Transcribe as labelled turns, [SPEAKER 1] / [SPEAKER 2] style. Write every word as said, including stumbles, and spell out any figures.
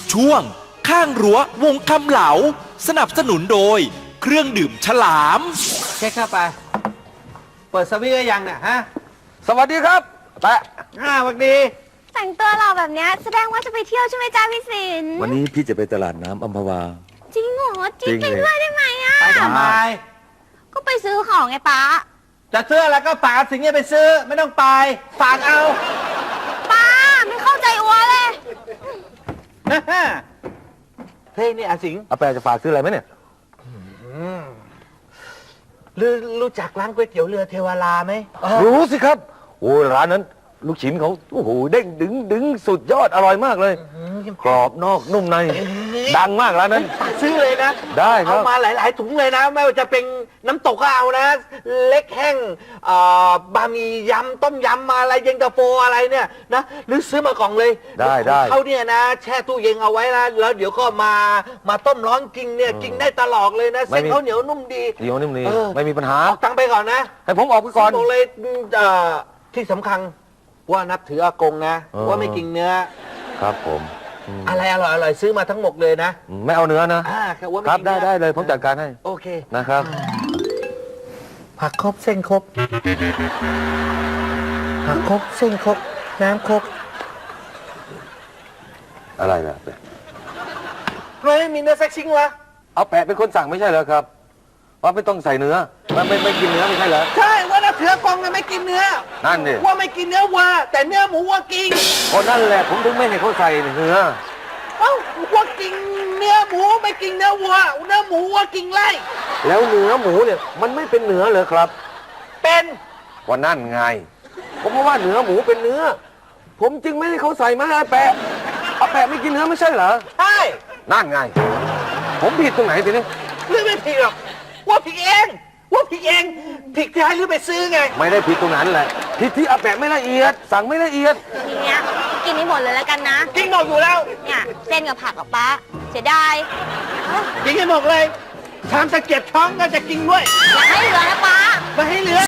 [SPEAKER 1] ช่วงข้างรั้ววงคำเหลาสนับสนุนโดยเครื่องดื่มฉลาม
[SPEAKER 2] เช็คเข้าไปเปิดสวิตช์ได้ยังเนี่ยฮะ
[SPEAKER 3] สวัสดีครับแปะ
[SPEAKER 2] อ่าสวัสดี
[SPEAKER 4] แต่งตัวเราแบบเนี้ยแสดงว่าจะไปเที่ยวใช่ไหมจ้าพี่สิน
[SPEAKER 3] วันนี้พี่จะไปตลาดน้ำอัมพวา
[SPEAKER 4] จริงเหรอจริง
[SPEAKER 3] จริง
[SPEAKER 4] ไป
[SPEAKER 3] เลย
[SPEAKER 4] ด้วยได้ไหมอ่ะ
[SPEAKER 2] ไปทำไม
[SPEAKER 4] ก็ไปซื้อของไงป้า
[SPEAKER 2] จะซื้อแล้วก็ฝากสิงห์เนี่ยไปซื้อไม่ต้องไปฝากเอา
[SPEAKER 4] ป้าไม่เข้าใจอัวเลย
[SPEAKER 2] เฮ้ยนี่อาสิงห์
[SPEAKER 3] อาแปะจะฝากซื้ออะไรไหมเนี่ย
[SPEAKER 2] รู้รู้จักร้านก๋วยเตี๋ยวเรือเทวาลาไหม
[SPEAKER 3] รู้สิครับโอ้ยร้านนั้น ลูกชิ้นเขาโอ้โหเด้งดึงดึงสุดยอดอร่อยมากเลย กรอบนอกนุ่มใน ดังมากร้านนั้น
[SPEAKER 2] ฝากซื้อเลยนะ
[SPEAKER 3] ได้ครับ
[SPEAKER 2] เอามาหลาย ๆ ถุงเลยนะ ไม่ว่าจะเป็นน้ำตกก็เอานะ เล็กแห้งเอ่อบะหมี่ยำต้มยำมาอะไรเย็นตาโฟอะไรเนี่ยนะหรือซื้อมากล่องเลย
[SPEAKER 3] ได้ได้
[SPEAKER 2] เขาเนี่ยนะแช่ตู้เย็นเอาไว้นะแล้วเดี๋ยวก็มามาต้มร้อนกินเนี่ยกินได้ตลอดเลยนะเส้นเขาเหนียวนุ่มดี
[SPEAKER 3] เดี๋ยวนิ่มนี่
[SPEAKER 2] เออ
[SPEAKER 3] ไม่มีปัญหา
[SPEAKER 2] เอาตังค์ไปก่อนนะ
[SPEAKER 3] ให้ผมออกไปก่อน
[SPEAKER 2] บอกเลยเอ่อที่สำคัญว่านับถืออากงนะ
[SPEAKER 3] เออ
[SPEAKER 2] ว่าไม่กินเนื้อ
[SPEAKER 3] ครับผมอืม
[SPEAKER 2] อะไรอร่อยอร่อยซื้อมาทั้งหมดเลยนะ
[SPEAKER 3] ไม่เอาเนื้อนะ
[SPEAKER 2] อ่าแค่ว่าไม่
[SPEAKER 3] ครับ
[SPEAKER 2] กิน
[SPEAKER 3] ได้
[SPEAKER 2] เนื้อ
[SPEAKER 3] ได้เลยผมจัดการให้
[SPEAKER 2] โอเค
[SPEAKER 3] นะครับ
[SPEAKER 2] ผักครบเส้นครบผักครบเส้นครบน้ำครบ
[SPEAKER 3] อะไรล่ะแปะ
[SPEAKER 2] ทำไมไม่มีเนื้อแซ็กซิ่งวะ
[SPEAKER 3] เอาแปะเป็นคนสั่งไม่ใช่เหรอครับว่าไม่ต้องใส่เนื้อมันไม่ไม่กินเนื้อไม่ใช่เหรอ
[SPEAKER 2] ใช่ว่านับถืออากงนะไม่กินเนื้อ
[SPEAKER 3] นั่นดิ
[SPEAKER 2] ว่าไม่กินเนื้อวัวแต่เนื้อหมูวัวกิน
[SPEAKER 3] คนนั่นแหละผมถึงไม่ให้เขาใส่เนื้อ
[SPEAKER 2] เอ้าวัวกินเนื้อหมูไม่กินเนื้อวัวเนื้อหมูวัวกินไล่
[SPEAKER 3] แล้วเนื้อหมูเนี่ยมันไม่เป็นเนื้อเลยครับ
[SPEAKER 2] เป็น
[SPEAKER 3] ว่านั่นไง ผมว่าเนื้อหมูเป็นเนื้อ ผมจึงไม่ให้เขาใส่มาให้อาแปะอาแปะไม่กินเนื้อไม่ใช่เหรอ
[SPEAKER 2] ใช่
[SPEAKER 3] นั่นไง ผมผิดตรงไหนทีนี้
[SPEAKER 2] หรือไม่ผิดหรอกว่าผิดเองว่าผิดเองผิดที่ให้หรือไปซื้อไง
[SPEAKER 3] ไม่ได้ผิดตรงนั้นแหละผิดที่อาแปะไม่ละเอียด สั่งไม่ละเอียด
[SPEAKER 4] ทีเนี้ยกินให้หมดเลยแล้วกันนะ
[SPEAKER 2] กินหมดอยู่แล้ว
[SPEAKER 4] เนี่ยเส้นกับผักกับป้าเสียดาย
[SPEAKER 2] กินให้หมดเลยชามตะเกียบช้อนก็จะกินด้วย
[SPEAKER 4] อย่าให้เหลือนะป้า
[SPEAKER 2] ไม่ให้เหลือ